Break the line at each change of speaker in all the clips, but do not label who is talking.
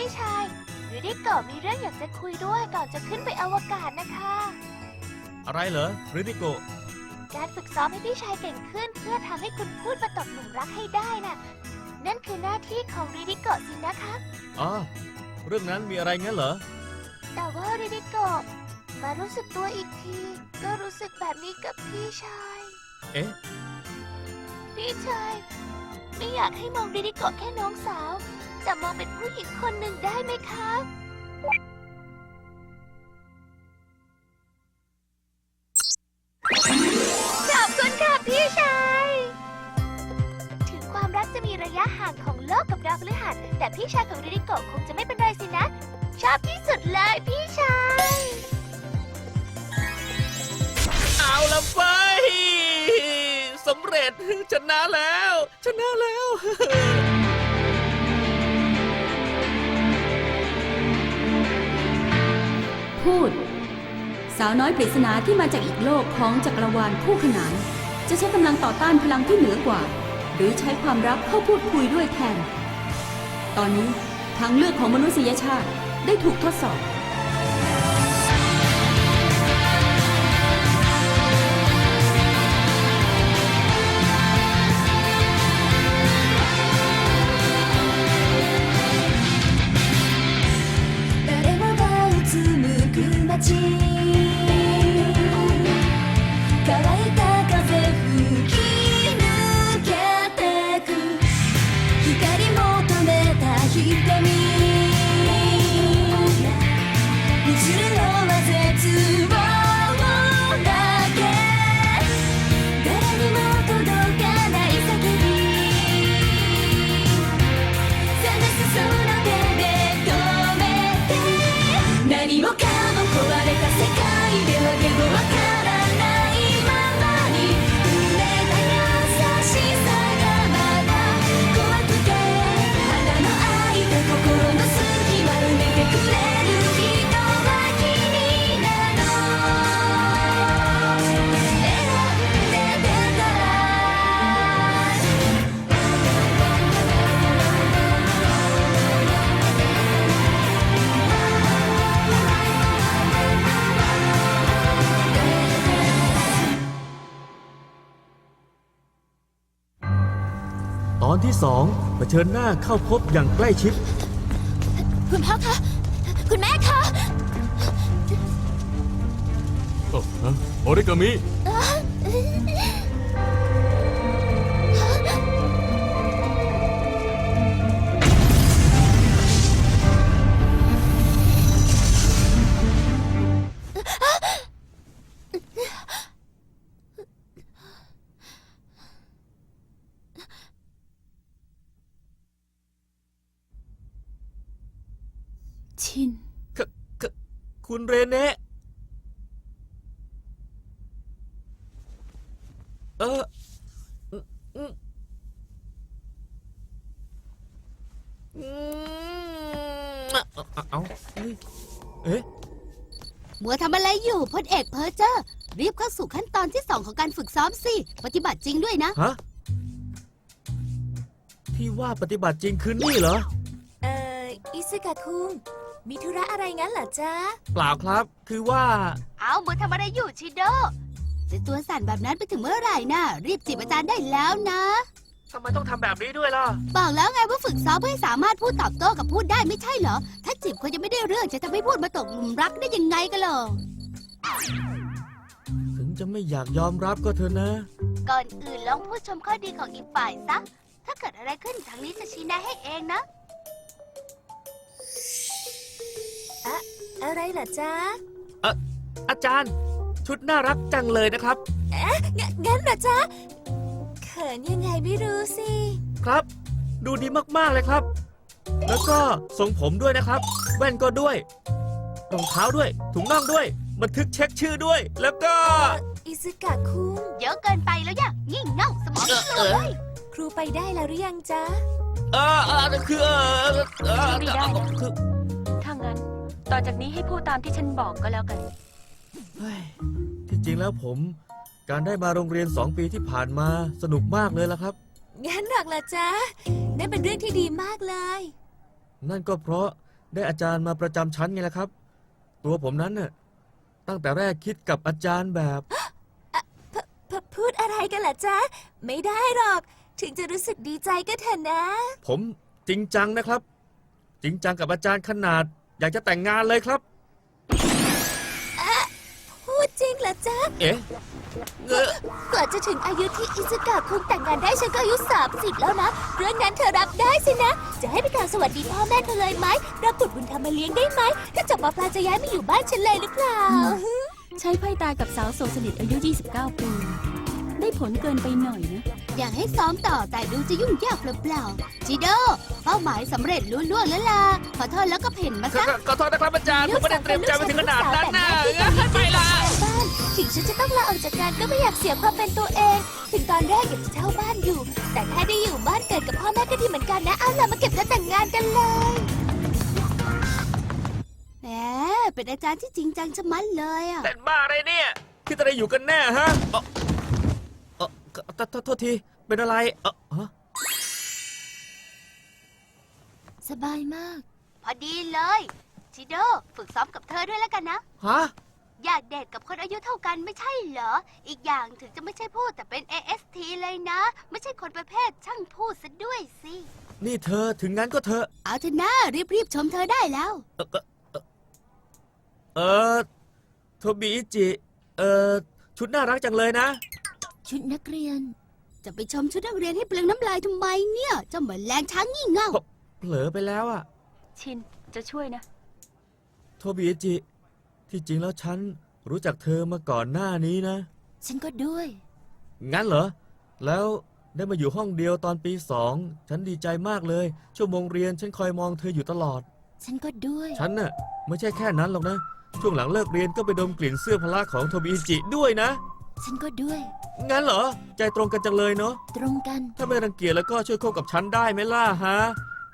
พี่ชายริดิโกะมีเรื่องอยากจะคุยด้วยก่อนจะขึ้นไปอวกาศนะคะ
อะไรเหรอริดิโกะ
การฝึกซ้อมให้พี่ชายเก่งขึ้นเพื่อทำให้คุณพูดมาตกหลุมรักให้ได้น่ะ นั่นคือหน้าที่ของริดิโกะสินะคะ
อ๋อเรื่องนั้นมีอะไรงั้นเหรอ
แต่ว่าริดิโกะมารู้สึกตัวอีกทีก็รู้สึกแบบนี้กับพี่ชาย
เอ๊ะ
พี่ชายไม่อยากให้มองริดิโกะแค่น้องสาวแต่มองเป็นผู้หญิงคนหนึ่งได้ไหมคะขอบคุณค่ะพี่ชายถึงความรักจะมีระยะห่างของโลกกับดาวพฤหัสแต่พี่ชายของริดิโกะคงจะไม่เป็นไรสินะชอบที่สุดเลยพี่ชาย
เอาละไฟสำเร็จชนะแล้วชนะแล้ว
พูดสาวน้อยปริศนาที่มาจากอีกโลกของจักรวาลคู่ขนานจะใช้กำลังต่อต้านพลังที่เหนือกว่า หรือใช้ความรักเข้าพูดคุยด้วยแทน ตอนนี้ทางเลือกของมนุษยชาติได้ถูกทดสอบ
ตอนที่2เผชิญหน้าเข้าพบอย่างใกล้ชิด
คุณพ่อคะคุณแม่คะ
โอริกามิ
ชิน
คุณเรเน่เอาเอ๊ะ
มัวทำอะไรอยู่พลเอกเพอร์เจอร์รีบเข้าสู่ขั้นตอนที่2ของการฝึกซ้อมสิปฏิบัติจริงด้วยนะ
ฮะที่ว่าปฏิบัติจริงคือนี่เหรอ
อิซึกะคุงมีธุระอะไรงั้นเหรอจ๊ะ
เปล่าครับคือว่า
เอามัวทำอะไรอยู่ชิโด
จะตัวสั่นแบบนั้นไปถึงเมื่อไหร่นะรีบจีบอาจารย์ได้แล้วนะ
ทำไมต้องทำแบบนี้ด้วยล่ะ
บอกแล้วไงว่าฝึกซ้อมเพื่อให้สามารถพูดตอบโต้กับพูดได้ไม่ใช่เหรอ ถ้าจีบคนยังไม่ได้เรื่องจะทำให้พูดมาตกหลุมรักได้ยังไงกันหรอ
ถึงจะไม่อยากยอมรับก็เถอะนะ
ก่อนอื่นลองพูดชมข้อดีของอีกฝ่ายซะถ้าเกิดอะไรขึ้นทางนี้จะชี้แนะให้เองนะอะไรเหรอจ๊ะ
อาจารย์ชุดน่ารักจังเลยนะครับ
งั้นเหรอจ๊ะเขินยังไงไม่รู้สิ
ครับ ดูดีมากๆเลยครับ แล้วก็ทรงผมด้วยนะครับ แว่นก็ด้วยรองเท้าด้วยถุงน่องด้วยบันทึกเช็คชื่อด้วย แล้วก็
อิซึกะคุงเยอะเกินไปแล้วอย่างี่เง่าสมองเสื่อมเลยครูไปได้แล้วหรือยังจ๊ะ
คือ
ไม่ได้นะ
คือ
ถ้างั้น ต่อจากนี้ให้พูดตามที่ฉันบอกก็แล้วกัน
เฮ้ยที่จริงแล้วผม การได้มาโรงเรียน2 ปีที่ผ่านมาสนุกมากเลยล่ะครับ
งั้นหรอกล่ะจ๊ะนั่นเป็นเรื่องที่ดีมากเลย
นั่นก็เพราะได้อาจารย์มาประจำชั้นไงล่ะครับ ตัวผมนั้นน่ะตั้งแต่แรกคิดกับอาจารย์แบบ
พูดอะไรกันล่ะจ๊ะ ไม่ได้หรอก ถึงจะรู้สึกดีใจก็เถอะนะ
ผมจริงจังนะครับ จริงจังกับอาจารย์ขนาด อยากจะแต่งงานเลยครับ
พูดจริงเหรอจ๊ะ
เอ๊ะเอ่อก
ว่าจะถึงอายุที่อิสกะคงแต่งงานได้ฉันก็อายุ30แล้วนะ เรื่องนั้นเธอรับได้สินะ จะให้ไปกล่าวสวัสดีพ่อแม่เธอเลยไหมรับบุตรบุญธรรมมาเลี้ยงได้ไหม ถ้าจบม.ปลายจะย้ายมาอยู่บ้านฉันเลยหรือเปล่า
ใช้ไพ่ตายกับสาวโสดสนิทอายุ 29 ปี ได้ผลเกินไปหน่อยนะ
อยากให้ซ้อมต่อแต่ดูจะยุ่งยากเปล่าๆจิโดเป้าหมายสำเร็จลุล่วงแล้วล่ะขอโทษแล้วก็เพ่นมาซะ
ขอโทษนะครับอาจารย์ ผมไม่ได้เตรียมใจมาถึงขนาดนั้นนะไปละ
บ้านถึงฉันจะต้องลาออกจากงานก็ไม่อยากเสียความเป็นตัวเอง ถึงตอนแรกอยากจะเช่าบ้านอยู่ แต่ถ้าได้อยู่บ้านเกิดกับพ่อแม่ก็ดีเหมือนกันนะเอาล่ะมาเก็บเงินแต่งงานกันเลย
แหมเป็นอาจารย์ที่จริงจังชะมัดเลยอ่ะ
แต่บ้าอะไรเนี่ยคิดอะไรอยู่กันแน่ฮะโทษที เป็นอะไรฮะ
สบายมาก
พอดีเลยจิโดฝึกซ้อมกับเธอด้วยแล้วกันนะ
ฮะ
อยากเดทกับคนอายุเท่ากันไม่ใช่เหรอ อีกอย่างถึงจะไม่ใช่พูดแต่เป็น AST เลยนะ ไม่ใช่คนประเภทช่างพูดซะด้วยสิ
นี่เธอถึงงั้นก็เธอ
เอาเถอะนะรีบชมเธอได้แล้ว
โทบิอิจิ ชุดน่ารักจังเลยนะ
ชุดนักเรียน
จะไปชมชุดนักเรียนให้เปลืองน้ำลายทำไมเนี่ยเจ้าเหมือนแรงช้างงี่เง่า
เผลอไปแล้วอะ
ชิน จะช่วยนะ
โทบิอิจิ ที่จริงแล้วฉันรู้จักเธอมาก่อนหน้านี้นะ
ฉันก็ด้วย
งั้นเหรอ แล้วได้มาอยู่ห้องเดียวตอนปี 2 ฉันดีใจมากเลย ชั่วโมงเรียนฉันคอยมองเธออยู่ตลอด
ฉันก็ด้วย
ฉันน่ะไม่ใช่แค่นั้นหรอกนะ ช่วงหลังเลิกเรียนก็ไปดมกลิ่นเสื้อพละของโทบิอิจิด้วยนะ
ฉันก็ด้วย
งั้นเหรอ ใจตรงกันจังเลยเนาะ
ตรงกัน
ถ้าไม่รังเกียจแล้วก็ช่วยคบกับฉันได้ไหมล่ะฮะ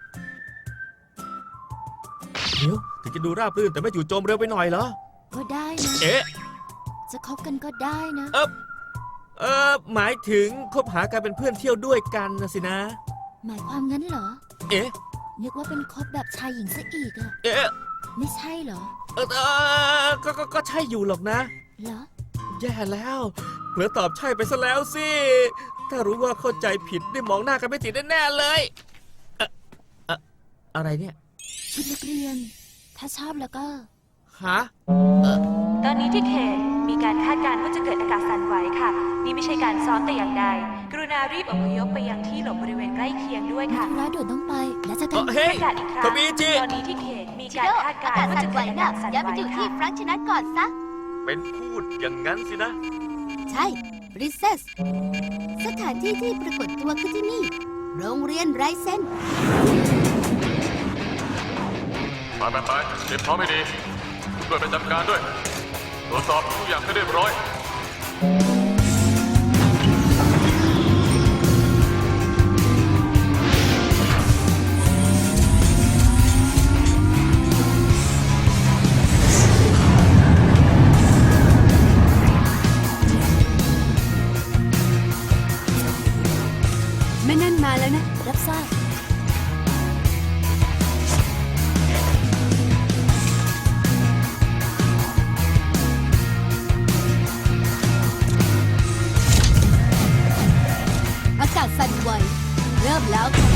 เดี๋ยวถึงจะดูราบรื่นแต่ไม่จู่โจมเร็วไปหน่อยเหรอ
ก็ได้นะ
เอ๊ะ
จะคบกันก็ได้นะ
หมายถึงคบหากันเป็นเพื่อนเที่ยวด้วยกันนะสินะ
หมายความงั้นเหรอ
เอ๊ะ
นึกว่าเป็นคบแบบชายหญิงซะอีกอะ
เอ๊ะ
ไม่ใช่เหรอ
ก็ใช่อยู่หรอกนะ
เหรอ
แย่แล้วเผลอตอบใช่ไปซะแล้วสิ ถ้ารู้ว่าเข้าใจผิดได้มองหน้ากันไม่ติดแน่ๆเลยอะไรเนี่ย
ชุดนักเรียน ถ้าชอบแล้วก็
ฮะ
ตอนนี้ที่เขตมีการคาดการณ์ว่าจะเกิดอากาศสั่นไหวค่ะ นี่ไม่ใช่การซ้อมแต่อย่างใด กรุณารีบอพยพไปยังที่หลบบริเวณใกล้เคียงด้วย
มี
ค่ะ
ธุระด่วนต้องไป แล้วจะกัน
เฮ้ย
ประกาศอีกครั้ง
โทบิอิจิ
ตอนนี้ที่เขตมีการคาดการณ์ว่าจะเกิดอากาศสั่น
อย่า
ไห
ไป
ว
อยู่ที่
ค่ะ
ฟรังก์ชนะก่อนซะ
เป็นพูดอย่างนั้นสินะ
ใช่ Princess สถานที่ที่ปรากฏตัวคือที่นี่ โรงเรียนไรเซน
ไปเตรียมพร้อมให้ดีช่วยไปจัดการด้วย ตรวจสอบทุกอย่างให้เรียบร้อย
แม่นั่นมาแล้วนะ
รับทราบ
อากาศสั่นไหวเริ่มแล้วค่ะ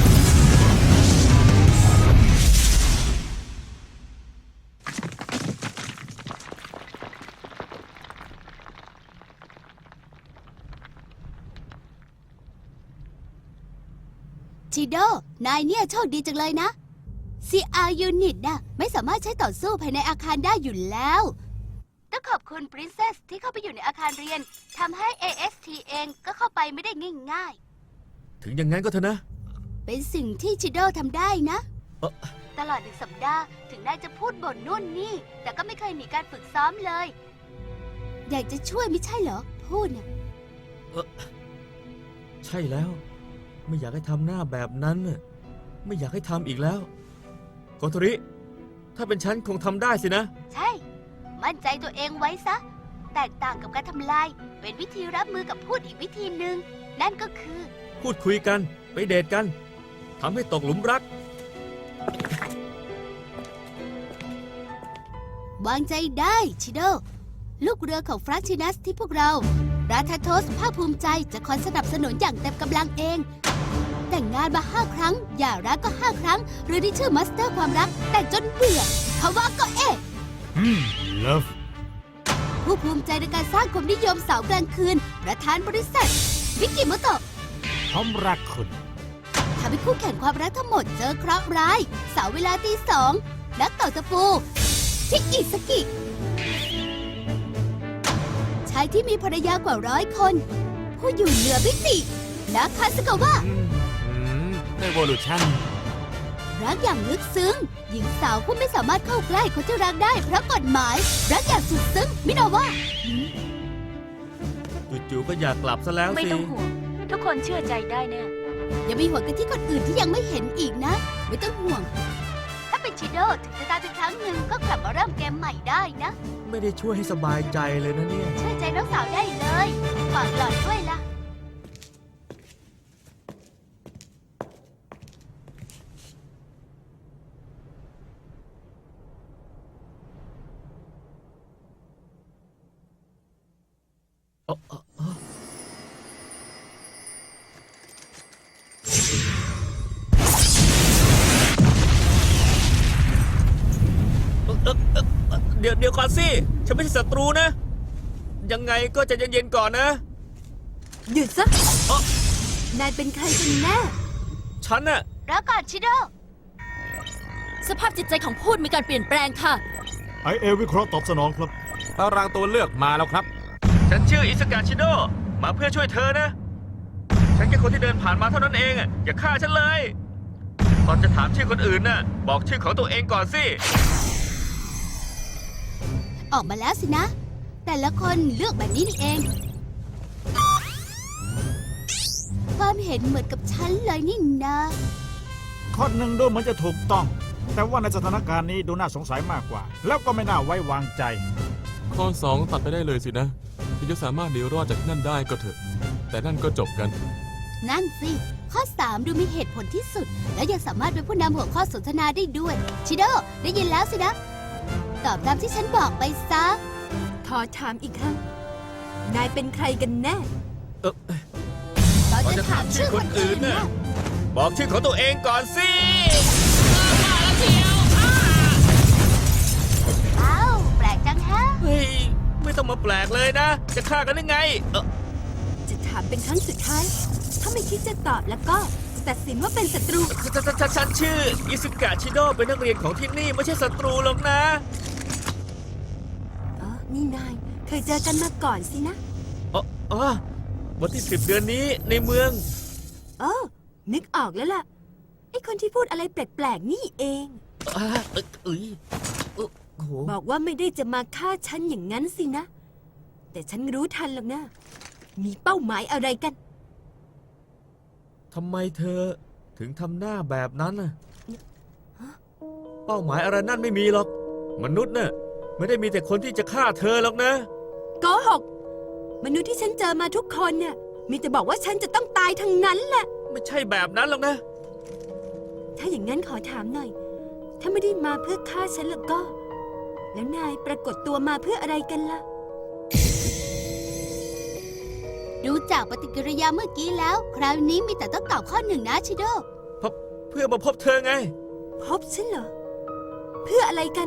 ชิโด นายเนี่ยโชคดีจังเลยนะ CR Unit น่ะไม่สามารถใช้ต่อสู้ภายในอาคารได้อยู่แล้ว ต้องขอบคุณ Princess ที่เข้าไปอยู่ในอาคารเรียนทำให้ AST เองก็เข้าไปไม่ได้ง่าย
ถึงอย่างนั้นก็เถอะนะ
ๆ เป็นสิ่งที่ชิโดทำได้นะ
เอ่อ
ตลอด1 สัปดาห์ถึงนายจะพูดบ่นนู่นนี่ แต่ก็ไม่เคยหนีการฝึกซ้อมเลย อยากจะช่วยไม่ใช่เหรอ พูดน่ะ
ใช่แล้ว ไม่อยากให้ทำหน้าแบบนั้นน่ะไม่อยากให้ทำอีกแล้วโกโทริ ถ้าเป็นฉันคงทำได้สินะ
ใช่ มั่นใจตัวเองไว้ซะ แตกต่างกับการทำลาย เป็นวิธีรับมือกับพูดอีกวิธีหนึ่ง นั่นก็คือ
พูดคุยกัน ไปเดทกันทำให้ตกหลุมรัก
วางใจได้ชิโด ลูกเรือของฟรังชินัสที่พวกเราราธาโทสภาคภูมิใจจะคอยสนับสนุนอย่างเต็มกำลังเอง แต่งงานมา5 ครั้งหย่าร้างก็5 ครั้งเรือที่ชื่อมาสเตอร์ความรักแต่งจนเบื่อเขาว่าก็
เลิฟ
ผู้ภูมิใจในการสร้างความนิยมสาวกลางคืน ประธานบริษัทวิกิโมโตะ
พร้อมรักคุณ
ทำให้คู่แข่งความรักทั้งหมดเจอเคราะห์ร้ายสาวเวลาตี 2นักต่อตะปูชิอิสกิชายที่มีภรรยากว่า100 คน ผู้อยู่เหนือมิตินาคาสกาวะ
Evolution
รักอย่างลึกซึ้งหญิงสาวผู้ไม่สามารถเข้าใกล้คนที่รักได้เพราะกฎหมายรักอย่างสุดซึ้งมิโนะวะ
จู่ๆก็อยากกลับซะแล้ว
ไม่
สิ
ต้องห่วง ทุกคนเชื่อใจได้แน่
อย่ามีห่วงกันที่คนอื่นที่ยังไม่เห็นอีกนะ ไม่ต้องห่วง ถ้าเป็นชิโดถึงจะตายเป็นครั้งหนึ่งก็กลับมาเริ่มเกมใหม่ได้นะ
ไม่ได้ช่วยให้สบายใจเลยนะเนี่ย
เชื่อใจน้องสาวได้เลยฝากหลอดด้วยล่ะ
เดี๋ยวก่อนสิ ฉันไม่ใช่ศัตรูนะ ยังไงก็ใจะเย็นๆก่อนนะ
หยุดซะ
เอ้อ
นายเป็นใครกันแน่
ฉันน่ะ
แล้วก่อนชิโด
สภาพจิตใจของพูดมีการเปลี่ยนแปลงค่ะ
IA วิเคราะห์ตอบสนองครับ
ตารางตัวเลือกมาแล้วครับ
ฉันชื่ออิสกาชิโด มาเพื่อช่วยเธอนะ ฉันแค่คนที่เดินผ่านมาเท่านั้นเองอะอย่าฆ่าฉันเลย ตอนจะถามชื่อคนอื่นน่ะ บอกชื่อของตัวเองก่อนสิ
ออกมาแล้วสินะ แต่ละคนเลือกแบบนี้นี่เอง ความเห็นเหมือนกับฉันเลยนี่นะ
ข้อหนึ่งดูเหมือนจะถูกต้อง แต่ว่าในสถานการณ์นี้ดูน่าสงสัยมากกว่า แล้วก็ไม่น่าไว้วางใจ
ข้อ 2 ตัดไปได้เลยสินะถึงจะสามารถหนีรอดจากที่นั่นได้ก็เถอะ แต่นั่นก็จบกัน
นั่นสิ ข้อ 3 ดูมีเหตุผลที่สุด และยังสามารถเป็นผู้นำหัวข้อสนทนาได้ด้วย ชิโด ได้ยินแล้วสินะ ตอบตามที่ฉันบอกไปซะ
ขอถามอีกครั้ง นายเป็นใครกันแน่
ตอนจะถามชื่อคนอื่นนะ
บอกชื่อของตัวเองก่อนสิ
อ้าว แปลกจังฮะ
เฮ้ย ไม่ต้องมาแปลกเลยนะ จะฆ่ากันได้ไง
จะถามเป็นครั้งสุดท้าย ถ้าไม่คิดจะตอบแล้วก็จะตัดสินว่าเป็นศัตรู
ฉันชื่ออิสกาชิโดเป็นนักเรียนของที่นี่ไม่ใช่ศัตรูหรอกนะ
อ๋อ นี่นายเคยเจอกันมาก่อนสินะ
อ๋อวันที่10 เดือนนี้ในเมือง
เออ นึกออกแล้วล่ะ ไอ้คนที่พูดอะไรแปลกๆนี่เอง
โอ้โห
บอกว่าไม่ได้จะมาฆ่าฉันอย่างนั้นสินะ แต่ฉันรู้ทันหรอกนะ มีเป้าหมายอะไรกัน
ทำไมเธอถึงทำหน้าแบบนั้นน่ะ เป้าหมายอะไรนั่นไม่มีหรอก มนุษย์น่ะไม่ได้มีแต่คนที่จะฆ่าเธอหรอกนะ
โกหก มนุษย์ที่ฉันเจอมาทุกคนเนี่ยมีแต่บอกว่าฉันจะต้องตายทั้งนั้นแหละ
ไม่ใช่แบบนั้นหรอกนะ
ถ้าอย่างนั้นขอถามหน่อย ถ้าไม่ได้มาเพื่อฆ่าฉันแล้วก็ แล้วนายปรากฏตัวมาเพื่ออะไรกันล่ะ
ดูจากปฏิกิริยาเมื่อกี้แล้ว คราวนี้มีแต่ต้องตอบข้อ 1นะชิโด
เพื่อมาพบเธอไง
พบฉันเหรอ เพื่ออะไรกัน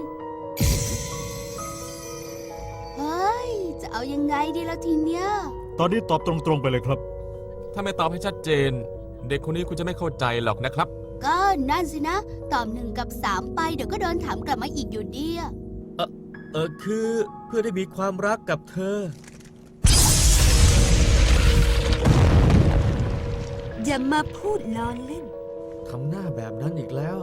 เฮ้ย จะเอายังไงดีแล้วทีเนี้ย
ตอนนี้ตอบตรงๆไปเลยครับ
ถ้าไม่ตอบให้ชัดเจน เด็กคนนี้คุณจะไม่เข้าใจหรอกนะครับ
ก็นั่นสินะ ตอบ1กับ 3 ไปเดี๋ยวก็โดนถามกลับมาอีกอยู่ดีอะ
คือเพื่อได้มีความรักกับเธอ
อย่ามาพูดล้อเล่น
ทำหน้าแบบนั้นอีกแล้ว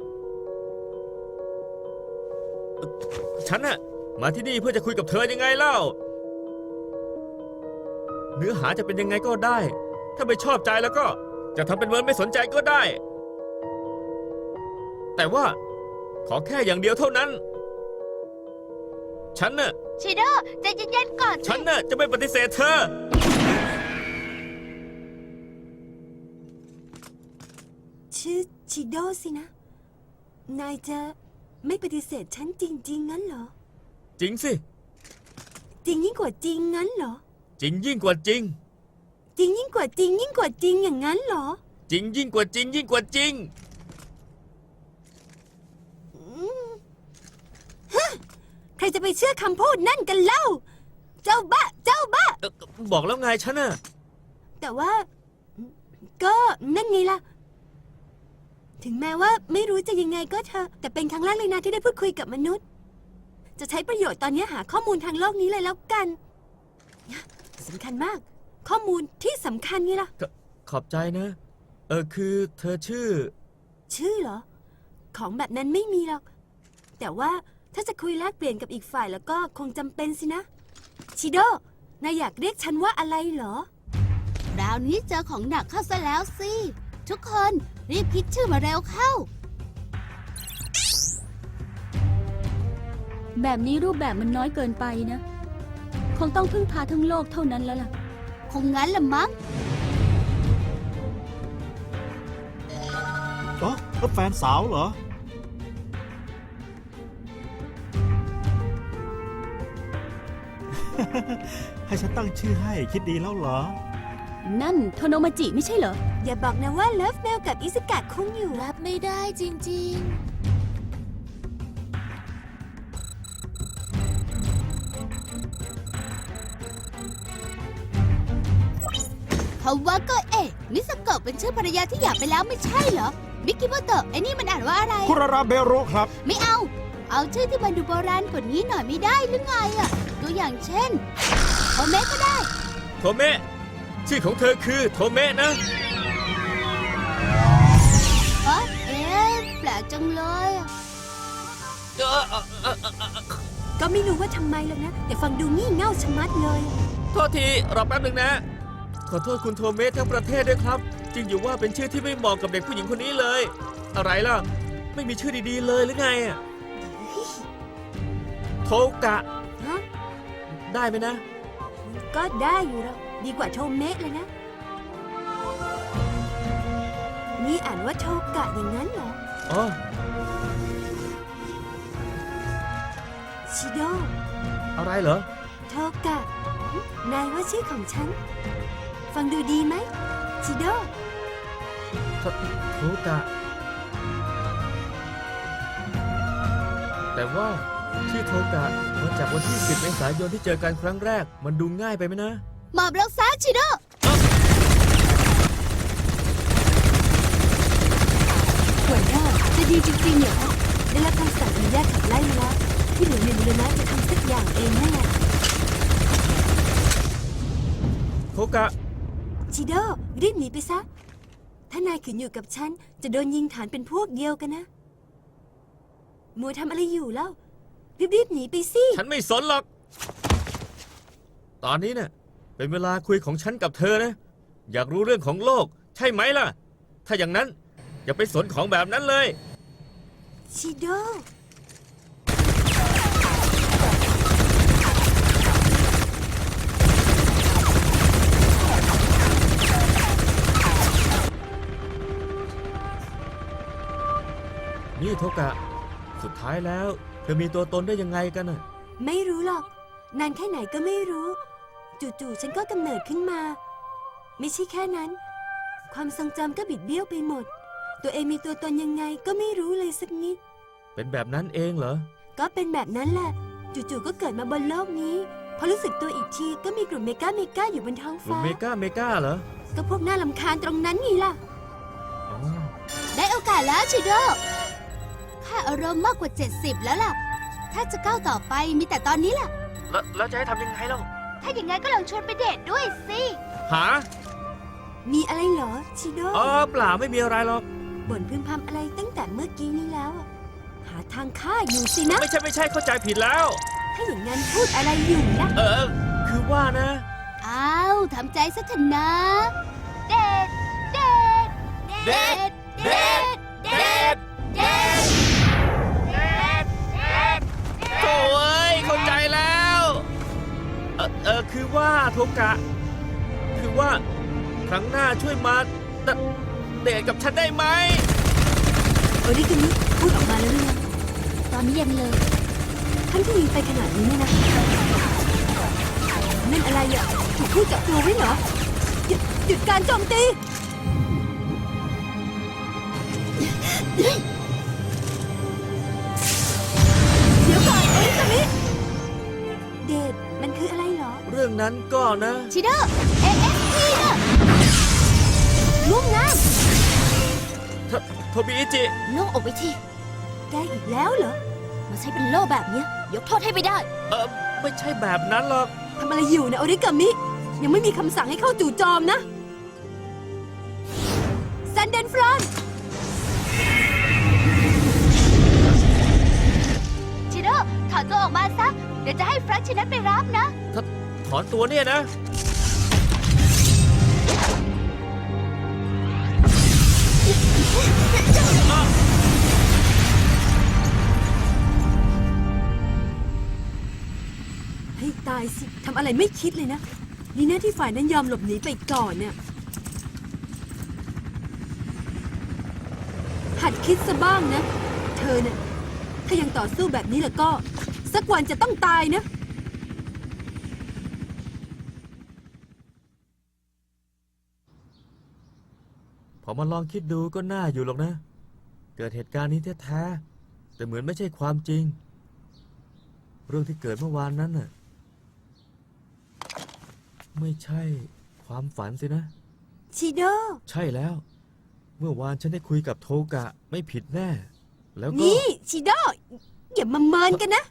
ฉันน่ะมาที่นี่เพื่อจะคุยกับเธอยังไงเล่า เนื้อหาจะเป็นยังไงก็ได้ ถ้าไม่ชอบใจแล้วก็จะทำเป็นเหมือนไม่สนใจก็ได้ แต่ว่าขอแค่อย่างเดียวเท่านั้น ฉันน่ะ
ชิโดใจเย็นๆก่อน
ฉันน่ะจะไม่ปฏิเสธเธอ
ชื่อชิโดสินะ นายจะไม่ปฏิเสธฉันจริงๆงั้นเหรอ
จริงสิ
จริงยิ่งกว่าจริงงั้นเหรอ
จริงยิ่งกว่าจริง
จริงยิ่งกว่าจริงยิ่งกว่าจริงอย่างนั้นเหรอ
จริงยิ่งกว่าจริงยิ่งกว่าจริง
ใครจะไปเชื่อคำพูดนั่นกันเล่า เจ้าบ้า เจ้าบ้า
บอกแล้วไงฉันน่ะ
แต่ว่า ก็นั่นไงล่ะ ถึงแม้ว่าไม่รู้จะยังไงก็เถอะ แต่เป็นครั้งแรกเลยนะที่ได้พูดคุยกับมนุษย์ จะใช้ประโยชน์ตอนนี้หาข้อมูลทางโลกนี้เลยแล้วกันสำคัญมาก ข้อมูลที่สำคัญไงล่ะ
ขอบใจนะ คือเธอชื่อ
ชื่อเหรอ ของแบบนั้นไม่มีหรอก แต่ว่าถ้าจะคุยแลกเปลี่ยนกับอีกฝ่ายแล้วก็คงจำเป็นสินะ ชิโด นายอยากเรียกฉันว่าอะไรเหรอ
คราวนี้เจอของหนักเข้าซะแล้วสิ ทุกคนรีบคิดชื่อมาเร็วเข้า
แบบนี้รูปแบบมันน้อยเกินไปนะ คงต้องพึ่งพาทั้งโลกเท่านั้นแล้วล่ะ
คงงั้นละมั้ง
อ๋อแล้วแฟนสาวเหรอ ให้ฉันตั้งชื่อให้คิดดีแล้วเหรอ
นั่นโทโนมาจิไม่ใช่เหรอ
อย่าบอกนะว่าเลิฟเมลกับอิสกะคงอยู่
รับไม่ได้จริง
เขาว่าก็มิสโกะเป็นชื่อภรรยาที่หย่าไปแล้วไม่ใช่เหรอ มิกิโมโตะไอ้นี่มันอ่านว่าอะไร
คุราราเบโรครับ
ไม่เอา เอาชื่อที่มันดูโบราณกว่านี้หน่อยไม่ได้หรือไงอะตัวอย่างเช่นโอเมะก็ได้
โทเมะ ชื่อของเธอคือโทเมะนะ
แปลกจังเลยอะ
ก็ไม่รู้ว่าทำไมหรอกนะ แต่ฟังดูงี่เง่าชะมัดเลย
โทษทีรอแป๊บหนึ่งนะ ขอโทษคุณโทเมะทั้งประเทศด้วยครับ จริงอยู่ว่าเป็นชื่อที่ไม่เหมาะกับเด็กผู้หญิงคนนี้เลย อะไรล่ะ ไม่มีชื่อดีๆเลยหรือไงอะโทกะ
ฮะ
ได้ไหมนะ
ก็ได้อยู่แล้วดีกว่าโทเมะเลยนะ นี่อ่านว่าโทกะอย่างนั้นเหรอ
อ๋อ
ชิโด
อะไรเหรอ
โทกะ นายว่าชื่อของฉัน ฟังดูดีไหม ชิโด
โทกะ แต่ว่าชื่อโทกะมาจากวันที่ 10 เมษายนที่เจอกันครั้งแรก มันดูง่ายไปไหมนะ
หมอบรักษาชิโด
หัวหน้าจะดีจริงๆเหรอคะได้รับคำสั่งอนุญาตขับไล่มาแล้ว ที่เหลือในบุรณะจะทำสักอย่างเองนั่นแหละ
โทกะ
ชิโด รีบหนีไปซะ ถ้านายขืนอยู่กับฉัน จะโดนยิงฐานเป็นพวกเดียวกันนะ มัวทำอะไรอยู่แล้ว รีบๆหนีไปสิ
ฉันไม่สนหรอก ตอนนี้เนี่ยเป็นเวลาคุยของฉันกับเธอนะ อยากรู้เรื่องของโลก ใช่ไหมล่ะ ถ้าอย่างนั้นอย่าไปสนของแบบนั้นเลย
ชิโด
นี่โทกะ สุดท้ายแล้ว เธอมีตัวตนได้ยังไงกันน่ะ
ไม่รู้หรอก นานแค่ไหนก็ไม่รู้ จู่ๆฉันก็กำเนิดขึ้นมา ไม่ใช่แค่นั้น ความทรงจำก็บิดเบี้ยวไปหมด ตัวเองมีตัวตนยังไงก็ไม่รู้เลยสักนิด
เป็นแบบนั้นเองเหรอ
ก็เป็นแบบนั้นแหละ จู่ๆก็เกิดมาบนโลกนี้ พอรู้สึกตัวอีกทีก็มีกลุ่มเมกาอยู่บนท้อง
กลุ่ม
ฟ้า
เมกาเหรอ
ก็พวกน่ารำคาญตรงนั้นไงล่ะ
อ๋อ
ได้โอกาสแล้วชิโด ค่าอารมณ์มากกว่า 70 แล้วล่ะ ถ้าจะก้าวต่อไปมีแต่ตอนนี้ล่ะ
แล้วจะให้ทำยังไงเล่า
ๆ ถ้าอย่างงั้นก็ลองชวนไปเดทด้วยสิ
หา
มีอะไรเหรอ ชิโด
อ๋อเปล่าไม่มีอะไรหรอก
บ่นพึมพำอะไรตั้งแต่เมื่อกี้นี้แล้วอะหาทางฆ่าอยู่สินะ
ไม่ใช่เข้าใจผิดแล้ว
ถ้าอย่างนั้นพูดอะไรอยู่ล่ะ
คือว่านะ
อ้าวทำใจซะเถอะนะ
เดท เดท
เดท เดท เดท เดท โถ่เอ้ยเข้าใจแล้ว คือว่าโทกะ คือว่า ครั้งหน้าช่วยมาเดทกับฉันได้ไหม
โอริกามิพูดออกมาแล้วหรือยัง
ตอนนี้ยังเลย
ทั้งที่ยิงไปขนาดนี้เนี่ยนะ นั่นอะไรอ่ะถูกคู่จับตัวไว้เหรอ หยุดการโจมตี เดี๋ยวก่อนโอริกามิเดทมันคืออะไรเหรอ
เรื่องนั้นก็นะ
ชิโด ASP นะมุ่งงาน
โทบิอิจิ
โล่งอกไปที
ได้อีกแล้วเหรอ
มาใช้เป็นโล่แบบเนี้ยยกโทษให้ไม่ได้
ไม่ใช่แบบนั้นหรอก
ทำอะไรอยู่นะโอริกามิ ยังไม่มีคำสั่งให้เข้าจู่โจมนะซันเดนฟรอน
ชิโร่ถอนตัวออกมาซะ เดี๋ยวจะให้แฟรงค์ชินัทไปรับนะ
ถอนตัวเนี่ยนะ
ให้ตายสิ ทำอะไรไม่คิดเลยนะ นี่นะที่ฝ่ายนั้นยอมหลบหนีไปก่อนเนี่ย หัดคิดซะบ้างนะ เธอเนี่ยถ้ายังต่อสู้แบบนี้แล้วก็ สักวันจะต้องตายนะ
พอมาลองคิดดูก็น่าอยู่หรอกนะ เกิดเหตุการณ์นี้แท้ๆแต่เหมือนไม่ใช่ความจริง เรื่องที่เกิดเมื่อวานนั้นน่ะ ไม่ใช่ความฝันสินะ
ชิโด
ใช่แล้ว เมื่อวานฉันได้คุยกับโทกะไม่ผิดแน่ แล้วก็
นี่ชิโด อย่ามาเมินกันนะ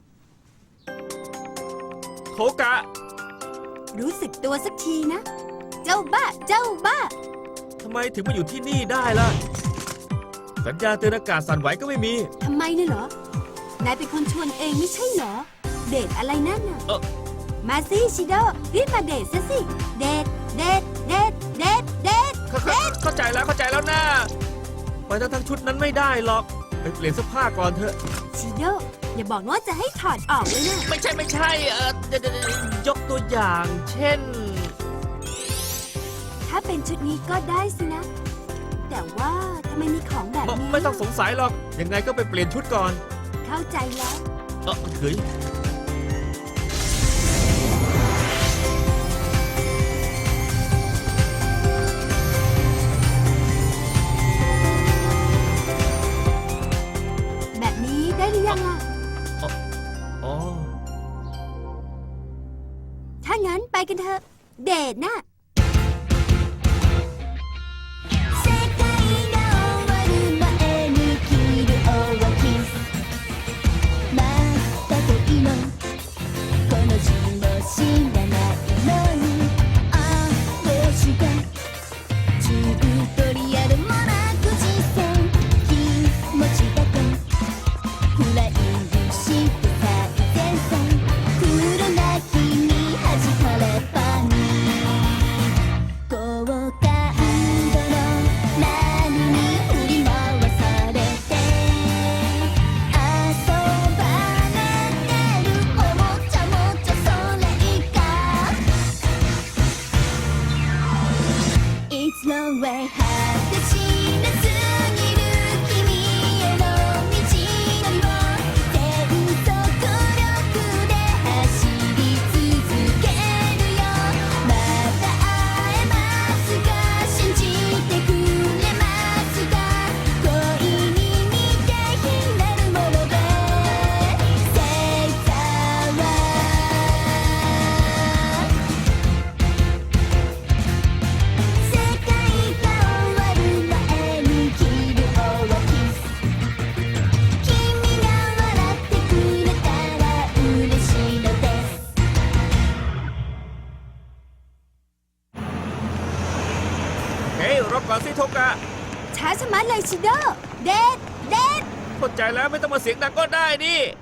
โทกะ
รู้สึกตัวสักทีนะ เจ้าบ้า เจ้าบ้า
ทำไมถึงมาอยู่ที่นี่ได้ล่ะ สัญญาณเตือนอากาศสั่นไหวก็ไม่มี
ทำไมเนี่ยเหรอ นายเป็นคนชวนเองไม่ใช่เหรอ เดทอะไรนั่นน่ะ มาสิชิโด รีบมาเดทซะสิ เดท เดท เดท เดท เดท
เข้าใจแล้วนะไปทั้งชุดนั้นไม่ได้หรอก ไปเปลี่ยนเสื้อผ้าก่อนเถอะ
ชิโด อย่าบอกว่าจะให้ถอดออกเลยนะ
ไม่ใช่เดี๋ยวยกตัวอย่าง เช่น
ถ้าเป็นชุดนี้ก็ได้สินะ แต่ว่าทำไมมีของแบบนี้
ไม่ต้องสงสัยหรอก ยังไงก็ไปเปลี่ยนชุดก่อน
เข้าใจแล้ว
เฮ้ย
แบบนี้ได้หรือยังล่ะ
อ๋อ
ถ้างั้นไปกันเถอะ เดทน่ะ
เฮ้ยรอก่อนสิโทกะ
ช้าชะมัดเลยชิโด เดท เดท
เข้าใจแล้วไม่ต้องมาเสียงดังก็ได้นี่